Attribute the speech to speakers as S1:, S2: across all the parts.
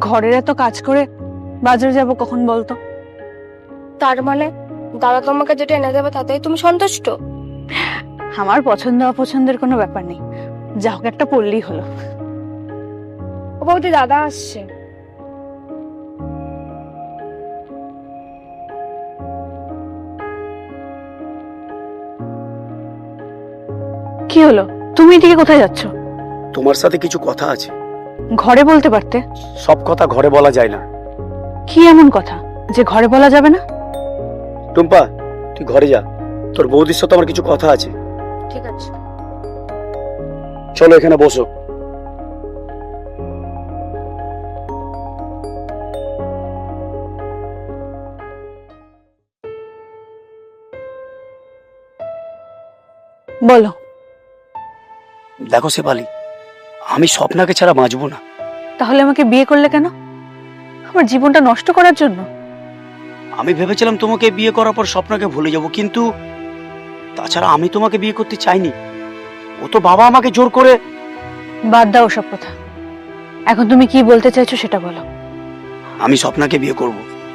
S1: ঘরের এত কাজ করে বাজারে যাব কখন বলতো?
S2: তার মানে দাদা তোমাকে যেটা এনে দেবে তাতেই তুমি সন্তুষ্ট?
S1: আমার পছন্দ অপছন্দের কোনো ব্যাপার নেই, যা হোক একটা পড়লেই হলো।
S2: ও বৌদি, দাদা আসছে।
S1: কি হলো, তুমি এদিকে কোথায় যাচ্ছ?
S3: তোমার সাথে কিছু কথা আছে।
S1: ঘরে বলতে পারতে।
S3: সব কথা ঘরে বলা যায় না।
S1: কি এমন কথা যে ঘরে বলা যাবে না?
S3: টুম্পা, তুই ঘরে যা, তোর বৌদির সাথে আমার কিছু কথা আছে।
S2: ঠিক আছে।
S3: চলো এখানে বসো।
S1: বলো।
S3: দেখো শেফালি, আমি স্বপ্নাকে ছাড়া বাঁচবো না।
S1: তাহলে আমাকে বিয়ে করলে কেন? আমার জীবনটা নষ্ট করার জন্য?
S3: আমি ভেবেছিলাম তোমাকে বিয়ে করার পর স্বপ্নাকে ভুলে যাব, কিন্তু তাছাড়া আমি তোমাকে বিয়ে করতে চাইনি। ও তো বাবা আমাকে জোর করে।
S1: বাদ দাও সব কথা, এখন তুমি কি বলতে চাইছো সেটা বলো।
S3: আমি স্বপ্নাকে বিয়ে করব।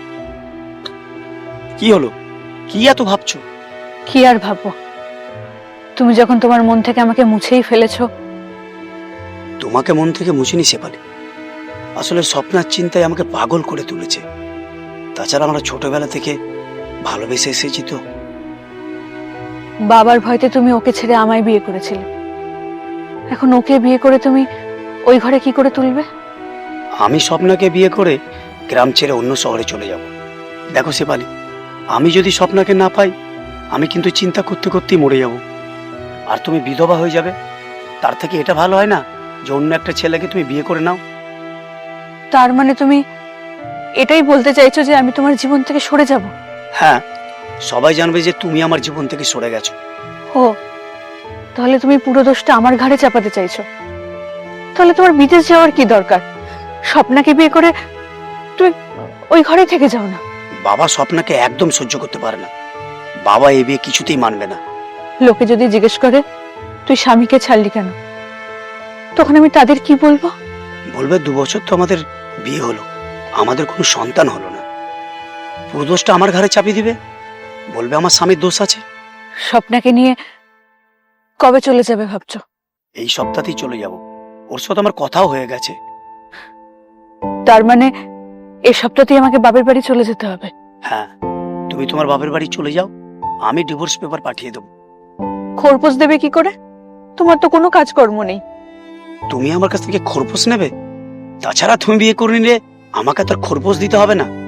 S3: কি হলো, কি এত ভাবছো?
S1: কি আর ভাববো, তুমি যখন তোমার মন থেকে আমাকে মুছেই ফেলেছো।
S3: তোমাকে মন থেকে মুছিনি শেফালি, আসলে স্বপ্নার চিন্তায় আমাকে পাগল করে তুলেছে। তাছাড়া আমরা ছোটবেলা থেকে ভালোবেসে এসেছি তো।
S1: বাবার ভয়তে তুমি ওকে ছেড়ে আমায় বিয়ে করেছিলে, এখন ওকে বিয়ে করে তুমি ওই ঘরে কি করে তুলবে?
S3: আমি স্বপ্নাকে বিয়ে করে গ্রাম ছেড়ে অন্য শহরে চলে যাব। দেখো শেফালি, আমি যদি স্বপ্নাকে না পাই, আমি কিন্তু চিন্তা করতে করতেই মরে যাব। আর তুমি বিধবা হয়ে যাবে, তার থেকে এটা ভালো হয় না যে অন্য একটা ছেলেকে তুমি বিয়ে করে নাও?
S1: তার মানে তুমি এটাই বলতে চাইছো যে আমি তোমার জীবন থেকে সরে যাব?
S3: হ্যাঁ, সবাই জানবে যে তুমি আমার জীবন থেকে সরে গেছো।
S1: ও, তাহলে তুমি পুরো দোষটা আমার ঘাড়ে চাপাতে চাইছো? তাহলে তোমার বিদেশ যাওয়ার কি দরকার? স্বপ্নাকে বিয়ে করে তুই ওই ঘরে থেকে যাও না।
S3: বাবা স্বপ্নাকে একদম সহ্য করতে পারে না, বাবা এই বিয়ে কিছুতেই মানবে না।
S1: লোকে যদি জিজ্ঞেস করে তুই স্বামীকে ছাড়লি কেন, তখন আমি তাদের কি বলবো?
S3: বলবে 2 বছর তো আমাদের বিয়ে হলো, আমাদের কোনো সন্তান হলো না। পুরো দোষটা আমার ঘাড়ে চাপিয়ে দিবে, বলবে আমার স্বামীর দোষ আছে।
S1: স্বপ্নাকে নিয়ে কবে চলে যাবে ভাবছো?
S3: এই সপ্তাহতেই চলে যাব, ওর সাথে আমার কথাও হয়ে গেছে।
S1: তার মানে এই সপ্তাহতেই আমাকে বাপের বাড়ি চলে যেতে হবে?
S3: হ্যাঁ, তুমি তোমার বাপের বাড়ি চলে যাও, আমি ডিভোর্স পেপার পাঠিয়ে দেবো।
S1: খোরপোশ দেবে কি করে? তোমার তো কোনো কাজকর্ম নেই।
S3: তুমি আমার কাছ থেকে খোরপোশ নেবে? তাছাড়া তুমি বিয়ে করে নিলে আমাকে তার খোরপোশ দিতে হবে না।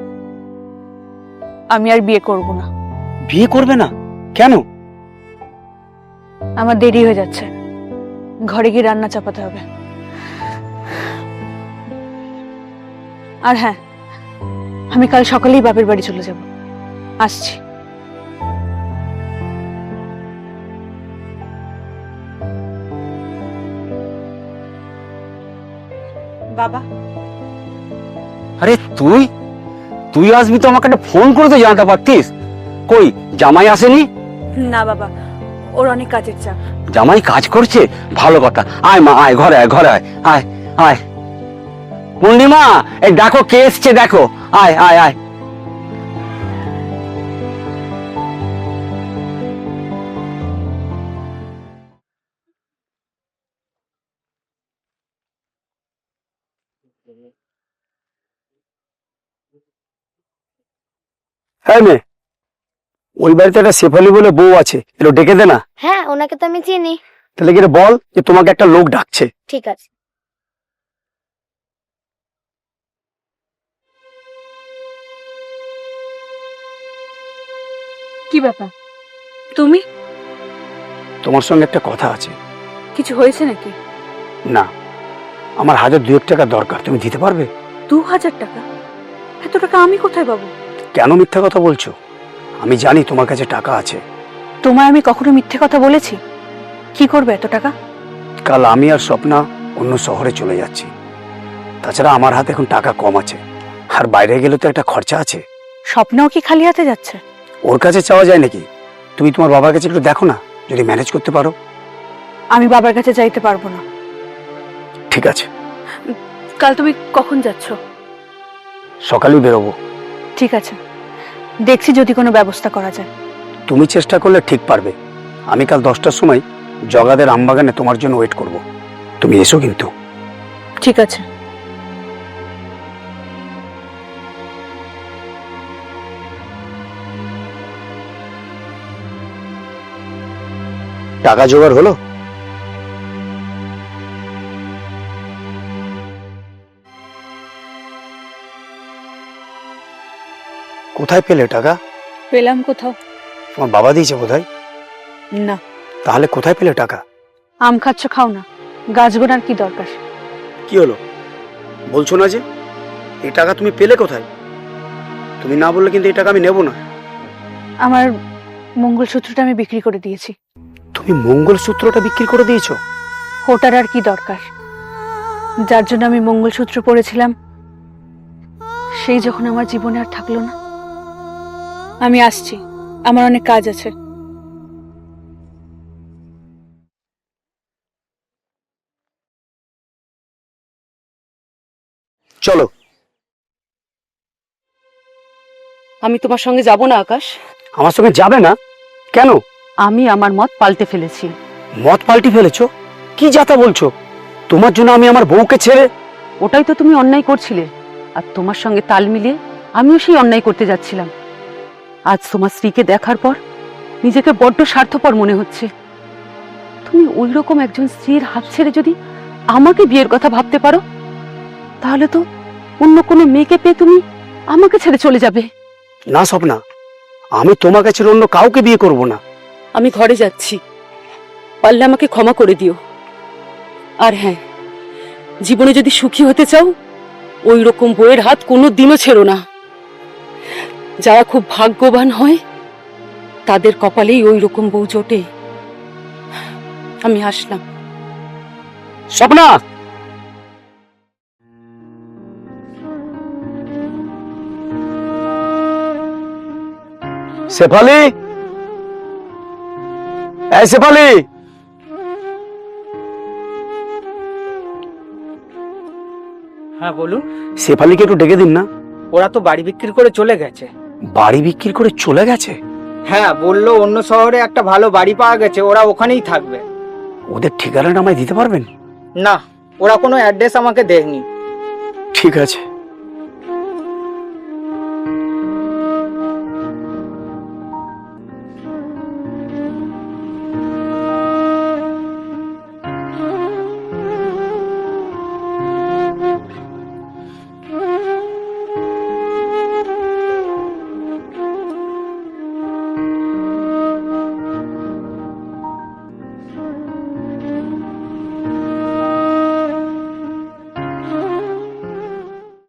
S1: আমি আর বিয়ে করব না।
S3: বিয়ে করবে না কেন?
S1: আমার দেরি হয়ে যাচ্ছে, ঘরে গিয়ে রান্না চাপাতে হবে। আর হ্যাঁ, আমি কাল সকালেই বাপের বাড়ি চলে যাব। আসছি। বাবা।
S4: আরে তুই তুই আসবি তো আমাকে একটা ফোন করে তো জানাতে পারতিস। কই জামাই আসেনি?
S1: না বাবা, ওর অনেক কাজের চাপ।
S4: জামাই কাজ করছে, ভালো কথা। আয় মা, আয় ঘরে আয়, ঘরে আয়, আয় আয়। পূর্ণিমা, এই দেখো কে এসছে, দেখো। আয় আয় আয়।
S3: হ্যাঁ মেয়ে, ওই বাড়িতে একটা শেফালি বলে বউ আছে, এলো ডেকে দে না।
S2: হ্যাঁ, ওনাকে তো আমি চিনি।
S3: তাহলে গিয়ে বল যে তোমাকে একটা লোক ডাকছে।
S2: ঠিক আছে।
S1: কি ব্যাপার, তুমি?
S3: তোমার সঙ্গে একটা কথা আছে।
S1: কিছু হয়েছে নাকি?
S3: না, আমার 1000-2 টাকা দরকার, তুমি দিতে পারবে?
S1: 2000 টাকা? এত টাকা আমি কোথায় পাবো?
S3: কেন মিথ্যা কথা বলছো? আমি জানি তোমার কাছে টাকা আছে।
S1: তোমায় আমি কখনো মিথ্যে কথা বলেছি? কি করবে এত টাকা?
S3: কাল আমি আর স্বপ্না অন্য শহরে চলে যাচ্ছি, তাছাড়া আমার হাতে এখন টাকা কম আছে, আর বাইরে গেলে তো একটা খরচা আছে।
S1: স্বপ্নও কি খালি হাতে যাচ্ছে?
S3: ওর কাছে চাওয়া যায় নাকি? তুমি তোমার বাবার কাছে একটু দেখো না, যদি ম্যানেজ করতে পারো।
S1: আমি বাবার কাছে যাইতে পারবো না।
S3: ঠিক আছে,
S1: কাল তুমি কখন যাচ্ছ?
S3: সকালেই বেরোবো।
S1: ঠিক আছে, দেখছি যদি কোনো ব্যবস্থা করা যায়।
S3: তুমি চেষ্টা করলে ঠিক পারবে। আমি কাল 10টার সময় জগাদের আমবাগানে তোমার জন্য ওয়েট করব। তুমি এসো কিন্তু।
S1: ঠিক আছে।
S3: টাকা জোগাড় হলো? কোথায় পেলে টাকা?
S1: পেলাম কোথাও?
S3: তোমার বাবা দিয়েছে বোধহয়।
S1: না।
S3: তাহলে কোথায় পেলে টাকা?
S1: আম খাচ্ছ, খাও না, গাছ গোনার কি দরকার?
S3: কি হলো বলছো না যে? এই টাকা তুমি পেলে কোথায়? তুমি না বললে কিন্তু এই টাকা আমি নেব না।
S1: আমার মঙ্গলসূত্রটা আমি বিক্রি করে দিয়েছি।
S3: তুমি মঙ্গলসূত্রটা বিক্রি করে দিয়েছো?
S1: ওটার আর কি দরকার? যার জন্য আমি মঙ্গলসূত্র পরেছিলাম সেই যখন আমার জীবনে আর থাকলো না। আমি আসছি, আমার অনেক কাজ আছে।
S3: চলো।
S5: আমি তোমার সঙ্গে যাব না আকাশ।
S3: আমার সঙ্গে যাবে না কেন?
S5: আমি আমার মত পাল্টে ফেলেছি।
S3: মত পাল্টি ফেলেছো? কি যাতা বলছো? তোমার জন্য আমি আমার বউকে ছেড়ে?
S5: ওটাই তো তুমি অন্যায় করছিলে, আর তোমার সঙ্গে তাল মিলিয়ে আমিও সেই অন্যায় করতে যাচ্ছিলাম। আজ তোমার স্ত্রীকে দেখার পর নিজেকে বড্ড স্বার্থপর মনে হচ্ছে। তুমি ওই রকম একজন স্ত্রীর হাত ছেড়ে যদি আমাকে বিয়ের কথা ভাবতে পারো, তাহলে তো অন্য কোনো মেয়েকে পেয়ে তুমি আমাকে ছেড়ে চলে যাবে।
S3: না স্বপ্না, আমি তোমার কাছে অন্য কাউকে বিয়ে করব না।
S5: আমি ঘরে যাচ্ছি, পারলে আমাকে ক্ষমা করে দিও। আর হ্যাঁ, জীবনে যদি সুখী হতে চাও, ওই রকম বউয়ের হাত কোনো দিনও ছেড়ো না। যারা খুব ভাগ্যবান হয় তাদের কপালেই ওই রকম বউ জোটে। আমি আসলাম।
S3: স্বপ্না! শেফালি, এই শেফালি!
S6: হ্যাঁ বলুন।
S3: শেফালিকে একটু ডেকে দিন না।
S6: ওরা তো বাড়ি বিক্রি করে চলে গেছে।
S3: বাড়ি বিক্রি করে চলে গেছে?
S6: হ্যাঁ, বললো অন্য শহরে একটা ভালো বাড়ি পাওয়া গেছে, ওরা ওখানেই থাকবে।
S3: ওদের ঠিকানাটা আমায় দিতে পারবেন?
S6: না, ওরা কোনো অ্যাড্রেস আমাকে দেয়নি।
S3: ঠিক আছে।